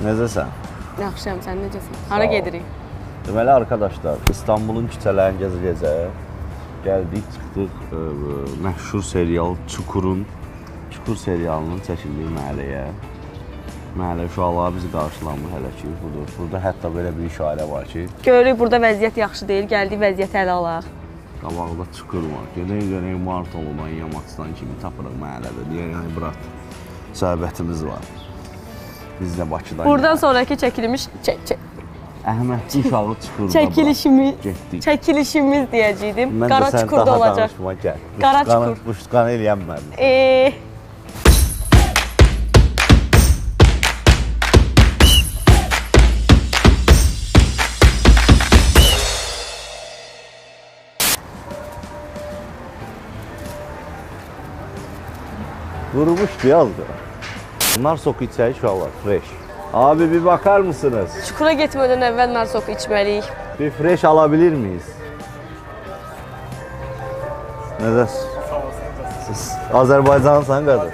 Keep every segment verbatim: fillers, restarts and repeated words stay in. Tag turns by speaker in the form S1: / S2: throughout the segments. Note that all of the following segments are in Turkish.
S1: Necəsən?
S2: Yaxşıyam, sən necəsən? Hara gedirik?
S1: Deməli arkadaşlar, İstanbulun küçələrini gəzə-gəzə gəldik, çıxdıq ə, məşhur serial Çukurun, Çukur serialının çəkildiyi məhəlləyə. Məhəllə uşaqları bizi qarşılamır hələ ki, budur. Burada hətta belə bir işarə var ki,
S2: görürük burada vəziyyət yaxşı deyil, gəldik vəziyyəti ələ alaq.
S1: qabaqda Çukur var. Gedək-gedək Martoludan, Yamaçdan kimi tapırıq məhəllədə. Deyək, yəni bırat, söhbətimiz var. Biz də Bakıdan
S2: Buradan
S1: gəldik.
S2: sonraki çəkilmiş, çək, çək.
S1: Əhmədli uşağı Çukurda
S2: Çəkilişimiz,
S1: getdik.
S2: çəkilişimiz deyəcəydim.
S1: Mən
S2: Qara
S1: də sən
S2: Çukurda
S1: daha
S2: olacaq.
S1: danışma, gəl.
S2: Qara
S1: Buşqanı-
S2: Çukur.
S1: Buşqanı eləyənmədim.
S2: Eee...
S1: Vurmuşdu yazdı. Bunlar soku içəyi uşaqlar, fresh. Abi bir bakar mısınız?
S2: Çukura getmədən əvvəl nar soku içməliyik.
S1: Bir fresh alabilir miyiz? Nədə? Siz Azərbaycanlısan qadın.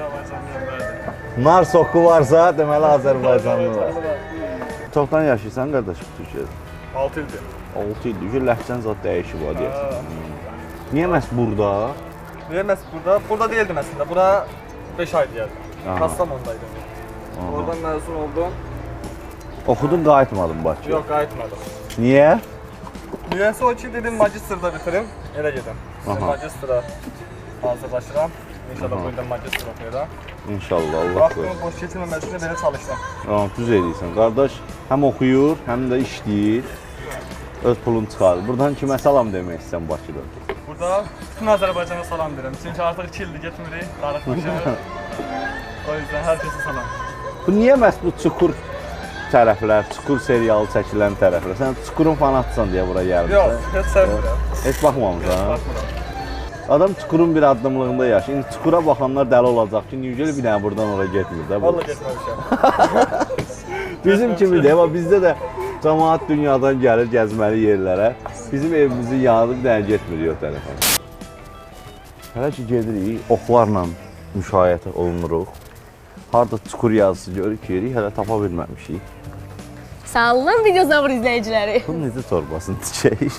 S1: Nar soku varsa deməli Azərbaycanlı var. Çoxdan yaşayırsan qardaşım Türkiyədə?
S3: altı ildir.
S1: altı ildir. Gör ləhcən zat dəyişib var deyəsən. Niyə məhz burada?
S3: Niyə məhz burada? Burada değildim əslində. Bura beş ay gəldim.
S1: Aha.
S3: Kastamonu'daydım. Oradan məzun oldum.
S1: Oxudun, qayıtmadın Bakıya.
S3: Yox, qayıtmadım.
S1: Niyə?
S3: Niyəsə o ki, dedim magistrda bitirim, elə gedim.
S1: Aha.
S3: Magistra hazırlaşıram. İnşallah
S1: Aha.
S3: bu ildə magistr oxuyuram.
S1: İnşallah Allah
S3: Vaxtımı
S1: qoysun.
S3: boş keçirməməsinə belə çalışdım.
S1: Tamam, düz edirsən. Qardaş həm oxuyur, həm də işləyir. Öz pulunu çıxarır. Buradan kimə salam demək istəyirsən Bakıda?
S3: Burada bütün Azərbaycana salam verirəm. Çünki artıq iki ildir getmirik, darıxmışıq. O yüzdən hər kəsə salam.
S1: Bu niyə məhz bu Çukur tərəflər, Çukur serialı çəkilən tərəflər? Sən Çukurun fanatsan deyə bura gəlmişsən.
S3: Yox, heç sevmirəm.
S1: Heç baxmamısan.
S3: Baxmıram.
S1: Adam Çukurun bir addımlığında yaşayır. İndi Çukura baxanlar dəli olacaq ki, niyə bir dənə buradan ora getmir də bu.
S3: Vallahi getməmişəm.
S1: Bizim kimi de, amma bizdə də cəmaət dünyadan gəlir gəzməli yerlərə. Bizim evimizin yanı bir dənə getmir o tərəfə. Hələ ki gedirik, oxlarla müşayiət olunuruq. Harada Çukur yazısı görürük ki, hələ tapa bilməmişik.
S2: Sağ olun videozavr izləyiciləri.
S1: Bunun necə torbasını tikək?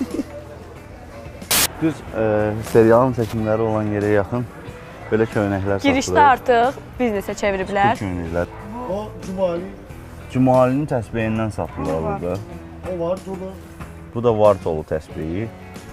S1: Düz e, serialın çəkimləri olan yerə yaxın belə köynəklər satılır.
S2: Girişdə artıq biznesə çeviriblər.
S1: Bu köynəklər.
S4: O Cumali,
S1: Cumalinin təsbehindən satılır burada.
S4: o var dolu,
S1: Bu da Vartolu təsbehi.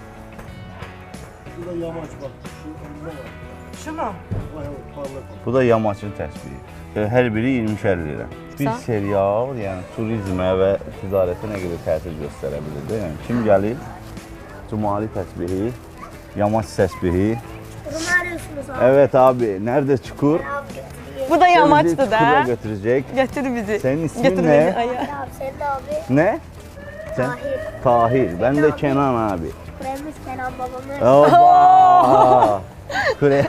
S4: bu da yamaç bak. Şu önünde var.
S2: Şu mu?
S4: Vay vay parlak.
S1: Bu da yamaçın təsbehi. E, Hər biri iyirmişər lira. Bir
S2: Sağ.
S1: serial, yəni turizmə və ticarətə nə qədər təsir göstərə bilir də. Yəni kim gəlir? Cumali təsbehi, yamaç təsbehi.
S5: Bunu arıyorsunuz abi.
S1: Evet abi, nerede Çukur?
S5: Abi götüreyim.
S2: Bu da
S1: Bizi
S2: yamaçdı
S1: Çukur'a
S2: da.
S1: götürecek.
S2: Götür bizi.
S1: Senin ismin
S2: Götür
S1: ne?
S2: bizi aya.
S5: Abi sen de abi.
S1: Ne? Sen?
S5: Tahir.
S1: Tahir. Ben de Kenan abi.
S5: Kuremiz Kenan babamız.
S1: Oba! Kure.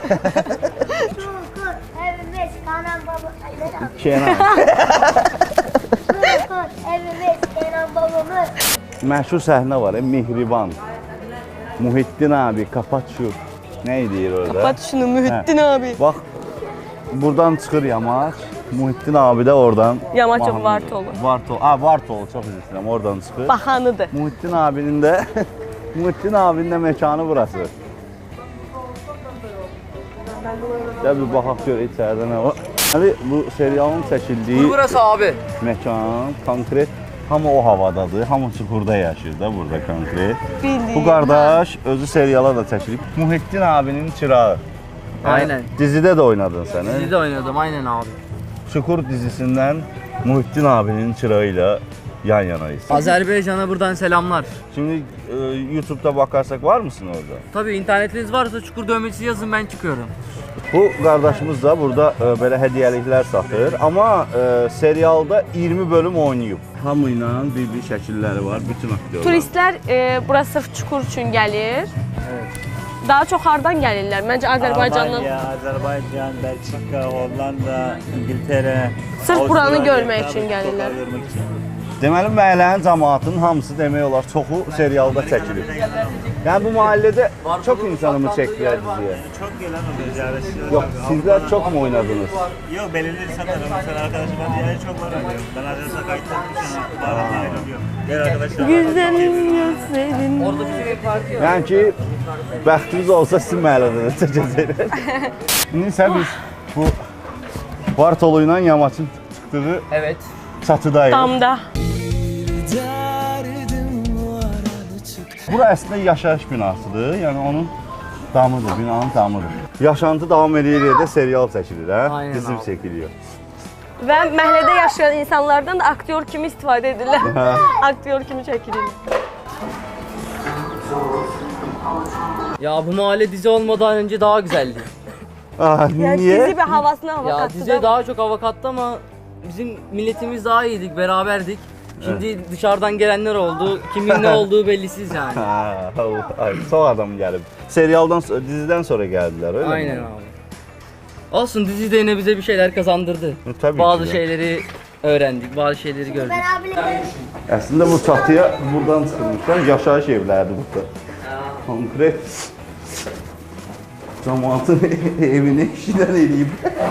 S5: Çukur evimiz Kenan babamız.
S1: Kenan.
S5: Çukur evimiz Kenan babamız.
S1: Məşhur səhnə var, e, Mehriban. Muhittin abi, kapat şu. Ne deyir orada?
S2: Kapat şunu Mühittin abi.
S1: Bak, buradan çıxır yamaç. Muhittin abi de oradan.
S2: Yamaç yok,
S1: mahnı-
S2: Vartolu.
S1: Vartolu. Ha, Vartolu çok üzr istəyirəm. Oradan çıxır.
S2: Bahanıdır.
S1: Muhittin abinin de Muhittin abinin de mekanı burası. Gel bir baxaq gör içəridə nə var. Hani bu serialın çəkildiyi
S6: Burası abi.
S1: mekan konkret hamı o havadadır. Hamı Çukurda yaşayır da burada konkret.
S2: Bildiğin.
S1: Bu qardaş özü seriala da çəkilib. Muhittin abinin çırağı.
S6: Aynen.
S1: Dizidə də oynadın sən. he?
S6: Dizide oynadım aynen abi.
S1: Çukur dizisindən Muhittin abinin çırağı ilə yan yanayız.
S6: Azerbaycan'a buradan selamlar.
S1: Şimdi e, YouTube'da bakarsak var mısın orada?
S6: Tabii internetiniz varsa Çukur dövmecisi yazın ben çıkıyorum.
S1: Bu qardaşımız da burada e, belə hədiyyəliklər satır. Amma e, serialda iyirmi bölüm oynayıb. Hamı ilə bir-bir şəkilləri var, bütün aktyorlar.
S2: Turistlər e, bura sırf çukur üçün gəlir. Daha çox hardan gəlirlər? Məncə Azərbaycandan.
S7: Almanya, Azerbaycan, Belçika, Hollanda, İngiltere.
S2: Sırf buranı
S7: Avustralya,
S2: görmək üçün
S7: tabii,
S2: gəlirlər.
S7: sokağa görmek için.
S1: Deməli məhəllənin cəmaatının hamısı demək olar çoxu serialda çəkilir. Yani bu mahallede
S6: Var
S1: çok
S6: dolu
S1: insanımı
S6: saklandığı
S1: çektiler
S6: yer var.
S1: diziye.
S7: Çok gelen oluyor ziyaretçiler.
S1: Yok sizler çok mu oynadınız?
S7: Yok belirli insanlar mesela arkadaşım ben diğer çok var oynuyor. Ben arkadaşlar kayıt etmişim. Bazen ayrılıyorum. Diğer arkadaşlar.
S2: Güzelim gözlerin.
S6: Orada bizim ev parkı var.
S1: Yani ki bəxtiniz olsa sizin məhəllədə də çəkəcəklər. İndi isə biz bu Bartolu ilə Yamaçın çıxdığı
S6: Evet.
S1: çatıdayıq.
S2: Damda.
S1: Bura əslində yaşayış binasıdır. Yəni onun damıdır, binanın damıdır. Yaşantı davam edir də serial çəkilir, hə?
S6: Aynen
S1: Bizim
S6: abi.
S1: çəkiliyor.
S2: Və məhəllədə yaşayan insanlardan da aktyor kimi istifadə edirlər. Aktyor kimi çəkilir.
S6: Ya bu mahalle dizi olmadan önce daha güzeldi.
S1: Ah,
S2: Yəni
S1: niyə?
S2: dizi bir havasına hava
S6: Ya
S2: katdı
S6: diziye
S2: da.
S6: daha çok hava kattı ama bizim milletimiz daha iyiydik, beraberdik. Şimdi dışarıdan gelenler oldu. Kimin ne olduğu bellisiz yani.
S1: Ha, ay, çox adam gəlib. Serialdan, dizidən sonra gəldilər, öyle
S6: Aynen
S1: mi?
S6: abi. Olsun dizi de yine bize bir şeyler kazandırdı.
S1: E, tabii
S6: bazı
S1: ki de.
S6: şeyleri öğrendik, bazı şeyleri gördük.
S5: Ben abiyle
S1: Əslində bu çatıya buradan çıxılmışlar, yaşayış evlərdir burada. Konkret cəmaatın evini işidən eləyib.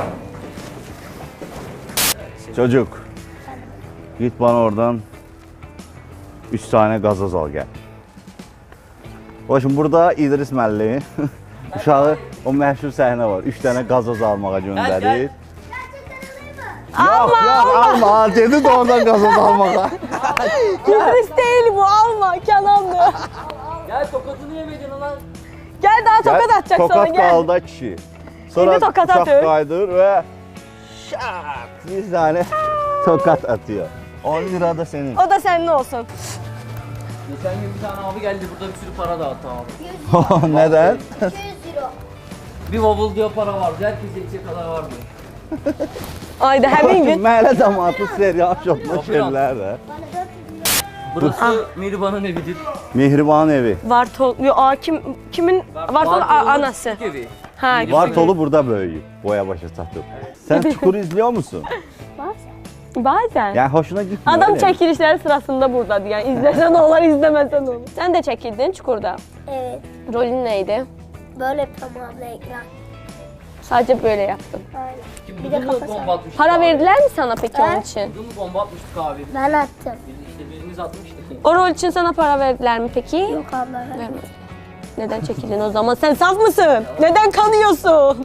S1: Çocuk, git bana oradan üç tane gazoz al gel. Başım burada İdris müəllim uşağı o məşhur səhnə var. üç tane gazoz almağa göndərir.
S6: gel.
S1: Yok yok alma, dedi de oradan gazoz almağa.
S2: İdris değil bu, alma Kenan'dı.
S6: Gel tokatını yemedin lan.
S2: Gel daha tokat atacak
S1: tokat
S2: sana gel.
S1: kaldı kişi. Sonra
S2: Şimdi tokat
S1: bıçak
S2: atıyor.
S1: kaydır ve şak bir tane tokat atıyor. on lira da senin.
S2: O da senin olsun.
S6: Geçen gün bir tane abi geldi burada bir sürü para dağıttı abi.
S1: Neden?
S5: iki yüz euro.
S6: Bir bavul diyor para vardı. Herkese içecek kadar vardı.
S2: Ayda həmin gün.
S1: Məhəllə cəmaatı serial şopuna
S6: Yapıram.
S1: şerlər də.
S5: Bana dört yüz euro.
S6: Burası Mihriban'ın evidir.
S1: Mehriban evi.
S2: Vartol, yo, a, kim, kimin? Vartol a-
S6: Bartol'un
S2: anası.
S6: küçük evi.
S2: Ha,
S1: Bartolu burada böyüyüb, boya başa çatıb. Sen Çukur izliyor musun?
S2: bazen.
S1: Yani hoşuna gitmiyor
S2: Adam
S1: öyle mi?
S2: çekilişleri sırasında buradadır. Yani izlesen olur, izlemesen olur. Sen de çekildin Çukur'da.
S5: Evet.
S2: Rolün neydi?
S5: Böyle yapıyorum abla ekran.
S2: Sadece böyle yaptın.
S5: Aynen.
S6: Kim
S5: Bir de
S6: bunu mu
S5: kafası.
S6: bomba atmıştık
S2: Para
S6: abi?
S2: verdiler mi sana peki onun
S5: He?
S2: için?
S6: Bunu mu bomba atmıştık abi?
S5: Ben attım.
S6: Biz işte biriniz atmıştı.
S2: O rol için sana para verdiler mi peki?
S5: Yok abla ben.
S2: Vermedi. Neden çekildin o zaman? Sen saf mısın? Neden kanıyorsun?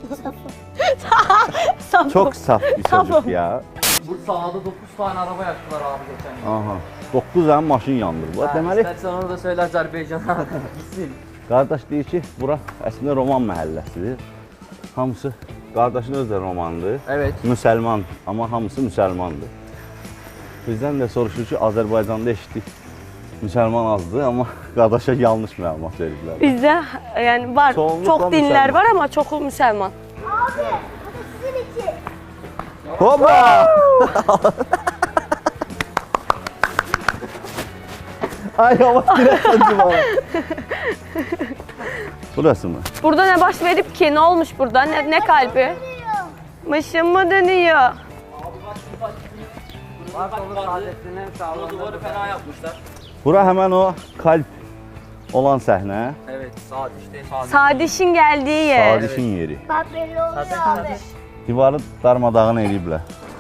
S2: Saf.
S1: Çok saf bir
S2: Tamam.
S1: çocuk ya.
S6: Bu sahada dokuz tane araba yaktılar abi geçen gün.
S1: Aha. dokuz tane maşın yandır. Bu
S6: Ha,
S1: deməli,
S6: İstersen onu da söyle Azerbaycan'a gitsin.
S1: qardaş deyir ki, bura əslində roman məhəlləsidir. Hamısı, qardaşın özü də romandır.
S6: Evet.
S1: Müsəlman, amma hamısı müsəlmandır. Bizdən də soruşur ki, Azərbaycanda eşitdik. Müsəlman azdır, amma qardaşa yanlış məlumat veriblər.
S2: Bizde yani var,
S1: Çoğunlukla
S2: çok dinler
S1: Müslüman.
S2: var ama çoğu Müslüman.
S5: Abi bu da sizin için.
S1: Hoppa! Ay yavaş girersen cumala. Burası mı?
S2: Burada ne baş verip ki? Ne olmuş burada? Ne, ne kalbi? Mışın mı dönüyor?
S6: Bu duvarı fena yapmışlar.
S1: Bura həmən o kalp olan səhnə.
S6: Evet saat işte saat.
S2: Sadiş'in geldiği yer.
S1: Sadişin yeri.
S5: Bak belli oluyor abi.
S1: Divarı darmadağın eləyiblər.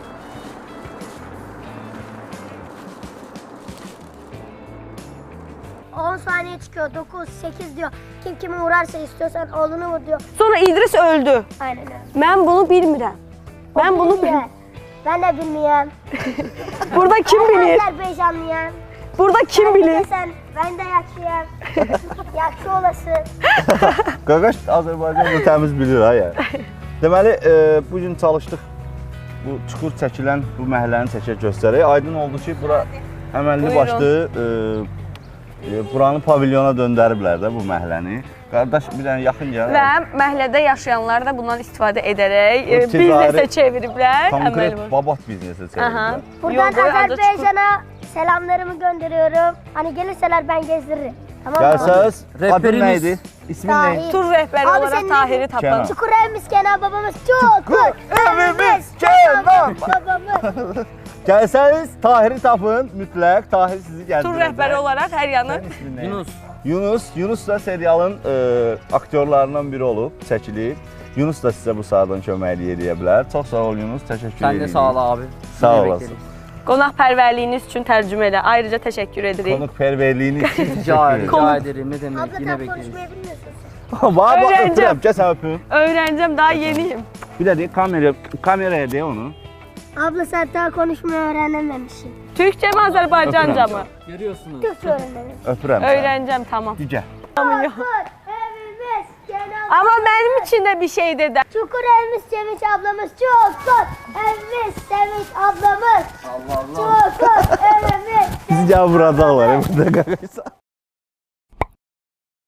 S5: on saniye çıkıyor. dokuz, sekiz diyor. Kim kimi vurarsa istiyorsan oğlunu vur diyor.
S2: Sonra İdris öldü.
S5: Aynen öyle.
S2: Ben bunu bilmirəm. Ben bunu bil.
S5: Bilmiyorum. Ben de bilmiyorum.
S2: Burada kim
S5: Ben
S2: bilir?
S5: Azerbaycanlıyım.
S2: Burada kim bilir?
S5: Sen, ben de yakşıyım. Yakşı olasın.
S1: Qaqaş Azərbaycanda təmiz bilir ha yəni. Deməli, e, bu gün çalışdıq. Bu çukur çəkilən bu məhəlləni çəkə göstərək. Aydın oldu ki, bura əməlli
S2: Buyurun.
S1: başlı e, e, buranı pavilyona döndəriblər də bu məhəlləni. Qardaş bir dənə yaxın gəl.
S2: Və məhəllədə yaşayanlar da bundan istifadə edərək e,
S1: Bu ticari-
S2: biznesə çeviriblər.
S1: Konkret
S2: Əməl var.
S1: babat biznesi
S2: Aha.
S1: çeviriblər.
S5: Buradan
S2: Yol boyu adı Çukur.
S5: Azerbaycan'a selamlarımı gönderiyorum. Hani gelirseler ben gezdiririm. Tamam mı?
S1: Gəlsəz, adın
S6: Rehberimiz-
S1: nəydi? İsmin nə?
S5: Tahir.
S2: Tur rəhbəri
S5: Abi
S2: olaraq
S5: sen
S2: Tahiri
S5: ne-
S2: tapın.
S1: Kenan.
S5: Çukur evimiz Kenan babamız. Çukur
S1: evimiz
S5: Kenan
S1: Kenan
S5: babamız.
S1: Gəlsəniz Tahiri tapın mütləq. Tahir sizi gəzdirəcək.
S2: Tur rəhbəri olaraq hər yanı.
S1: Sənin ismin nə?
S6: Yunus.
S1: Yunus, Yunus da serialın e, aktyorlarından biri olub, çəkilib. Yunus da sizə bu saatdan kömək eləyə bilər. Çox sağ ol Yunus, təşəkkür
S6: Sen
S1: edirik.
S6: de sağ ol abi.
S1: Sağ
S6: Yine
S1: olasın.
S6: bekleriz.
S2: Qonaqpərvərliyiniz üçün tərcümələ ayrıca təşəkkür edirik.
S1: Konukperverliğini için
S6: Rica,
S1: teşekkür ederim.
S6: rica ederim. Ne demek?
S5: Abla
S6: Yine
S5: tam
S6: bekleriz.
S5: konuşmayı bilmiyorsun sen.
S1: Var bak
S2: Öğreneceğim.
S1: öpürəm, gəl sən öpüm.
S2: Öyrənəcəm, daha yeniyim.
S1: Bir də deyək, kamera, kameraya de onu.
S5: Abla sen daha konuşmayı öğrenememişsin.
S2: Türkçə mi, Azərbaycanca mı?
S6: Görüyorsunuz.
S5: Türkçe öğrenememişsin.
S1: Öpürəm səni.
S2: Öyrənəcəm, tamam.
S1: Gəl.
S5: Evimiz Cenab-ı
S2: Amma mənim için də bir şey dedi.
S5: Çukur evimiz Sevinç ablamız Çukur evimiz Sevinç ablamız
S6: Allah Allah.
S5: Çukur evimiz
S1: Bizi gəl vuracaqlar, bir də qaqaysa.